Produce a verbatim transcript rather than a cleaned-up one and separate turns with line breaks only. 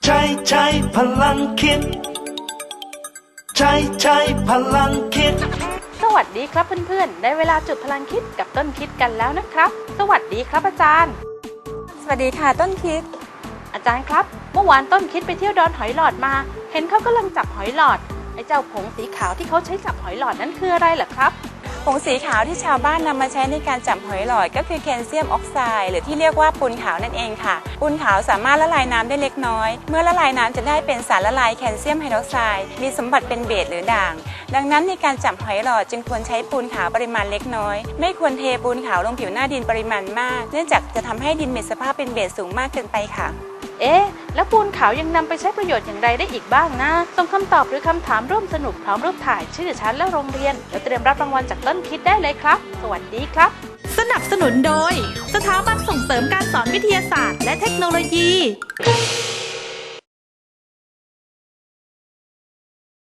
ใช้ใช้พลังคิดใช้ใช้พลังคิด
สวัสดีครับเพื่อนๆได้เวลาจุดพลังคิดกับต้นคิดกันแล้วนะครับสวัสดีครับอาจารย์
สวัสดีค่ะต้นคิด
อาจารย์ครับเมื่อวานต้นคิดไปเที่ยวดอนหอยหลอดมาเห็นเขากำลังจับหอยหลอดไอ้เจ้าผงสีขาวที่เขาใช้จับหอยหลอดนั้นคืออะไรเหรอครับ
ผงสีขาวที่ชาวบ้านนำมาใช้ในการจับหอยหลอดก็คือแคลเซียมออกไซด์หรือที่เรียกว่าปูนขาวนั่นเองค่ะปูนขาวสามารถละลายน้ำได้เล็กน้อยเมื่อละลายน้ำจะได้เป็นสารละลายแคลเซียมไฮดรอกไซด์มีสมบัติเป็นเบสหรือด่างดังนั้นในการจับหอยหลอดจึงควรใช้ปูนขาวปริมาณเล็กน้อยไม่ควรเทปูนขาวลงผิวหน้าดินปริมาณมากเนื่องจากจะทำให้ดินมีสภาพเป็นเบสสูงมากเกินไปค่ะ
เอ๊ะแล้วปูนขาวยังนำไปใช้ประโยชน์อย่างไรได้อีกบ้างนะส่งคำตอบหรือคำถามร่วมสนุกพร้อมรูปถ่ายชื่อชั้นและโรงเรียนแล้วเตรียมรับรางวัลจากต้นคิดได้เลยครับสวัสดีครับ
สนับสนุนโดยสถาบันส่งเสริมการสอนวิทยาศาสตร์และเทคโนโลยี